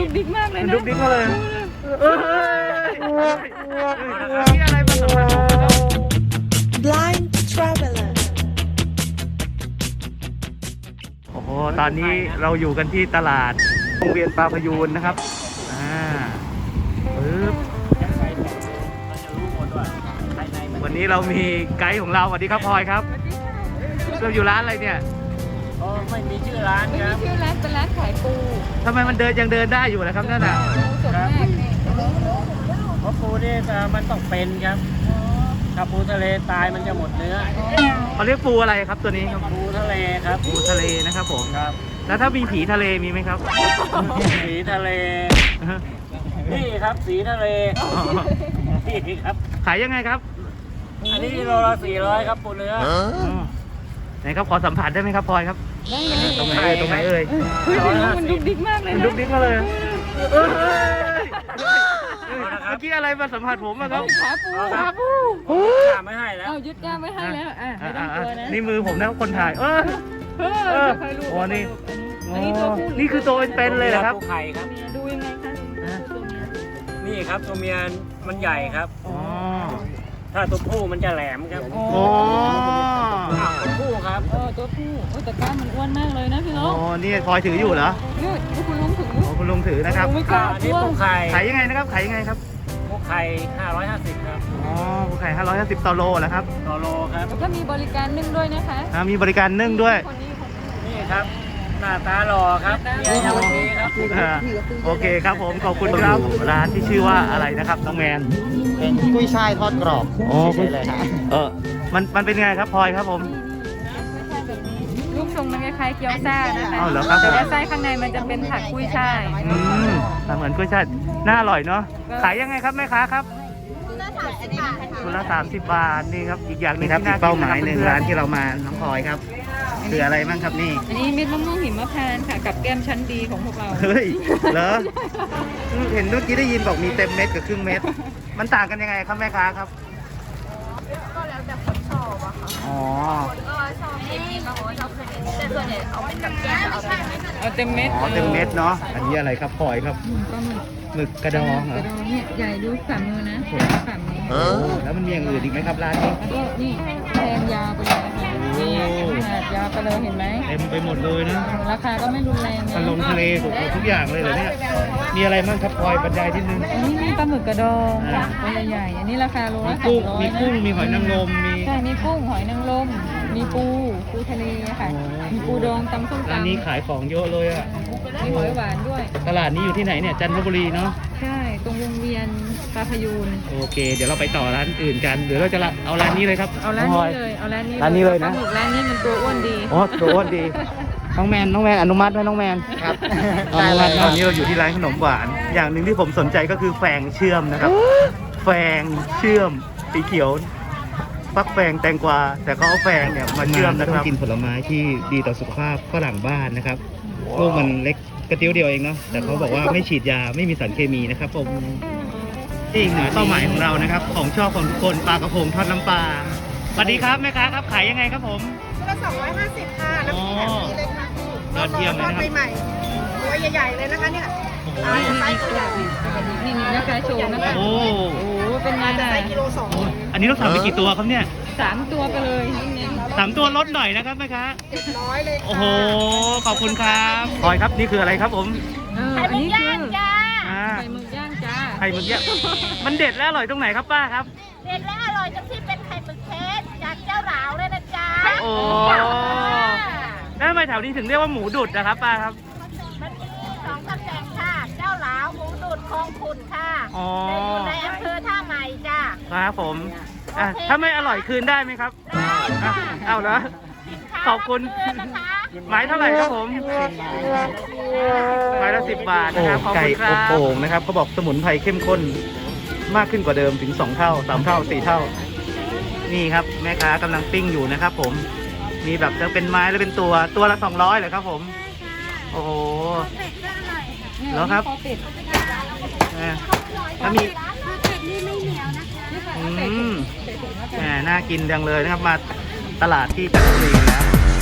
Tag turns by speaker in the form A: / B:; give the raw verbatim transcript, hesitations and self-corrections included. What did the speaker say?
A: ดุกดิกมากเลยนะ
B: ดุกดิกมาเลยเอ้ยนี่อะไรมาสำคัญผมนะครับ
C: Blind Traveler
B: โอ้โหตอนนี้เราอยู่กันที่ตลาดโรงเรียนปลาพยูนนะครับอ่าปึ๊บวันนี้เรามีไกด์ของเราสวัสดีครับพลอยครับเราอยู่ร้านอะไรเนี่ย
D: อ๋อไม่มีชื่อร้าน
A: ไม่
D: ค
A: มี
D: รับ
A: ชื่อร้านเป็นร้านขายปู
B: ทำไมมันเดินยังเดินได้อยู่นะครับนั่นน่ะ
A: ปูสดมากนี่
D: เพราะปูนี่เอ่อมันต้องเป็นครับถ้าปูทะเลตายมันจะหมดเนื้อ
B: เขาเรียกปูอะไรครับตัวนี้ครับ
D: ปูทะเลครับ
B: ปูทะเลนะครับผม
D: ครับ
B: แล้วถ้ามีผีทะเลมีไหมครับ
D: สีทะเลนี่ครับสีทะเลนี่ครับ
B: ขายยังไงครับ
D: อันนี้โลละสี่ร้อยครับปูเนื้อ
B: อ๋อไหนครับขอสัมผัสได้ไหมครับพลอยครับ
A: ได้เลย
B: ตรงไหนเอ่ยตรงไหนเอ่ย
A: เฮ้ยพี่น้องมันดุกดิกมากเลย
B: มัน
A: นะ
B: ดุกดิกมาเลยเอ้ยเมื่อกี้อะไรมาสัมผัสผมอะครับ
A: ขาปู
D: ครับ
A: ปู
D: ข้าไม่ให้แล้ว
A: เอายึดย่ามไม่ให้แล้วอ่ะไม่ต้องกลัวนะ
B: นี่มือผมนะคนถ่ายเออ
A: เอ
B: เอ
A: อ
B: อ
A: ค่อยรู้
B: โอ้นี่
A: อันนี้ตัวผู้
B: นี่คือตัวเป็นๆเลยเหรอครับ
D: ปูไข่ครับ
A: ดูยังไงคะตัวเมีย
D: นี่ครับตัวเมียมันใหญ่ครับ
B: อ๋อ
D: ถ้าตัวผู้มันจะแหลมครับ
A: อ๋อ
B: โอ้
D: ตัวผู้ครับ
A: เออตัวผู้โอ้แต่กล้ามมันอ้วนมากเลยนะพี่น้
B: โอ้
A: อง
B: นี่พลอยถืออยู่เหรอ
A: นี่คุณลุงถึง
B: โอ้คุณลุงถือนะครับ
A: ไม่กล้า
D: อัน
A: ก
D: นี้
A: ลัว
D: ปูไข่
B: ขายยังไงนะครับขายยังไงครับ
D: ปูไข่ห้าร้อยห้าสิบครับ
B: อ๋อผู้ขายห้าร้อยห้าสิบต่อโลเหรอครับ
D: ต่อโลครับ
A: แล้วก็มีบริการนึ่งด้วยนะคะ
B: อ่ามีบริการนึ่งด้วย
A: คนนี้คนนี้
D: นี่ครับ หน้าตาหล่อครับเมียยังไม่มีครับ
B: อ่าโอเคครับผมขอบคุณครับร้านที่ชื่อว่าอะไรนะครับน้องแมน
E: เป็นกุ้ยช่ายทอดกรอบ
B: อ๋อ
E: เฉยๆเลยครับ
B: เออมันมันเป็นไงครับพลอยครับผม
A: รูปทรงมันคล้ายๆเกี๊ยวซ่านะคะ
B: อ้าวเหรอครับ
A: แต่ว่าไส้ข้างในมันจะเป็นผักกุ้ยช่าย
B: อืมเหมือนกุ้ยช่ายน่าอร่อยเนาะขายยังไงครับแม่ค้าครับคุณละสามสิบบาทนี่ครับอีกอย่างหนึ
E: นี่
B: ง
E: ครับ
B: ที่
E: อี
B: น่าก
E: เป้าหมาย
B: กิะ
E: หนึ่ง
B: พื่อ
E: ร้านที่เรามาน้องพลอยครับคืออะไรบ้างครับนี่
A: อันนี้เม็ดมะม่วงหิมพานต์ค่ะกับแก้มชั้นดีของพวกเรา
B: เฮ้ยเหรอ
E: เห็นเมื่อกี้ได้ยินบอกมีเต็มเม็ดกับครึ่งเม็ด
B: มันต่างกันยังไงครับแม่ค้าครับ
F: ก็แล้วแต่คนชอบอะค่ะ
B: อ๋อ
F: คนก็ชอบเค็มบางคนก็ชอบเค็มแต่ส่วนใหญ่เอาเป็นกับแก้มเอาเป็น
A: เอาเต็มเม็ด
B: อ๋อเต็มเม็ดเนาะอันนี้อะไรครับพลอยครับ
A: ปลาหมึก
B: หมึกกระดองเหร
A: ก
B: อ
A: ระดองเนี่ยใหญ่ดูฝ่ามือนะใหญ่ฝ่ามือ
B: โอ้แล้วมันมีอย่างอื่นอีกไหมครับร้านนี้
A: แล้วก็นี่แทงยาวไปเลยนะคะนี่ขนาดยาวไปเลยเห็นไหม
B: เต็มไปหมดเลยนะ
A: ราคาก็ไม่รุนแรงนะ
B: ทะลงทะเลถูกทุกอย่างเลยเหรอเนี่ยมีอะไรบ้างครับพลอยบรรยายที่นึง
A: อันนี้มีปลาหมึกกระดอง
B: อ่า
A: ตัวใหญ่ๆอันนี้ราคาโล
B: มี
A: ละสา
B: กุ้
A: ม
B: ง
A: ร้อย
B: มี
A: นะ
B: กุ้งมีหอยนางรมมี
A: ใช่มีกุ้งหอยนางรมมีปูปูทะเลค่ะ
B: อ๋อ
A: มีปูดองตำส้ม
B: ร้าน
A: ตำ
B: นี้ขายของเยอะเลยอะ
A: มีหอยหวานด้วย
B: ตลาดนี้อยู่ที่ไหนเนี่ยจันทบุรีเนาะ
A: ใช่ตรงวงเวียนปลาพยูน
B: โอเค เดี๋ยวเราไปต่อร้านอื่นกันหรือเราจะละเอาร้านนี้เลยครับ
A: เอาร้าน
B: พ
A: นี้
B: อย
A: เลยเอาร้านนี้
B: ร้านนี้เลยนะ
A: ปลาหมึกร้านนี้มันตัวอ้วนดี
B: อ๋อตัวอ้วนดีน้องแมนน้องแมนอนุมัติไหมน้องแมน
E: ครับ
B: อนุมัติตอนนี้เราอยู่ที่ร้านขนมหวาน อย่างหนึ่งที่ผมสนใจก็คือแฟงเชื่อมนะครับ แฟงเชื่อมสีเขียวฟักแฟงแตงกวาแต่เขาเอาแฟงเนี่ยมาเชื่อมนะ
E: ต้
B: ค
E: อง
B: รับ
E: กินผลไม้ที่ดีต่อสุขภาพฝรั่งบ้านนะครับลูกมันเล็กกระติ้วเดียวเองเนาะแต่เขาบอกว่าไม่ฉีดยาไม่มีสารเคมีนะครับผมนี่อีกหนึ่งเป้าหมายของเรานะครับ ของชอบของทุกคนปลากระพงทอดน้ำปลาสวัสดีครับแม่ค้าครับขายยังไงครับผม
G: ชุดละสองร้อยห้าสิบค่ะ น้ำพริกแบบนี้เลยค่ะ
B: ยอดเยี่ยมเลย
G: ทอด
B: นะครับ
G: ใหม่ๆตัวใหญ่ๆเลยนะคะเนี่ย
B: โอ้โห
G: อ่าไซส์ตัวใหญ่
A: นี่นี่นะคะโชว์นะคะ
B: โอ้
A: โอ้โหเป็นไงล่ะ
G: ไซส์กิโลสอง
B: อันนี้เราสั่งไปกี่ตัวครับเนี่ย
A: สามตัวไปเลยนี่
B: สามตัวลดหน่อยนะครับแม่ค้า
G: ร้อยเลยค่ะ
B: โอ้โห ขอบคุณครับพลอยครับนี่คืออะไรครับผม
A: เอออันนี้คือ
B: อ่า
A: ไข่หมึกย่างจ้า
B: ไข่หมึกเนี่ยมันเด็ดและอร่อยตรงไหนครับป้าครับ
F: เด็ดและอร่อยจังที่เป็นไข่หมึกเพชรจากเจ้าหลาวเลยนะจ๊ะ
B: โอ้แล้วทำไมแถวนี้ถึงเรียกว่าหมูดุดนะครับป้าครับ
F: มันมีสองตำแหน่งค่ะ เจ้าหลาวหมูดูดคลองขุดค่ะ
B: อ๋อ
F: จะอยู่ในอำเภอท่าใหม่จ้ะ
B: ครับผมอ่ะถ้าไม่อร่อยคืนได้ไหมครับ
F: ได้
B: อ่ะ
F: ค่ะ
B: เอาเหรอ ขอบคุณ
F: เชิญนะคะ
B: ไม้เท่าไหร่ครับผมไม้ละสิบบาทนะครับขอบ
E: ไก่
B: คุณค
E: อ
B: รั
E: บบ โป่งนะครับเขาบอกสมุนไพรเข้มข้นมากขึ้นกว่าเดิมถึงสองเท่าสามเท่าสี่เท่า
B: นี่ครับแม่ค้ากำลังปิ้งอยู่นะครับผม มีแบบจะเป็นไม้แล้วเป็นตัวตัวละสองร้อยเหรอครับผม โอ้โห แล้วครับ อ่ะแล้วมีอืมแหมน่ากินจังเลยนะครับ มาตลาดที่จันทบุรีนะ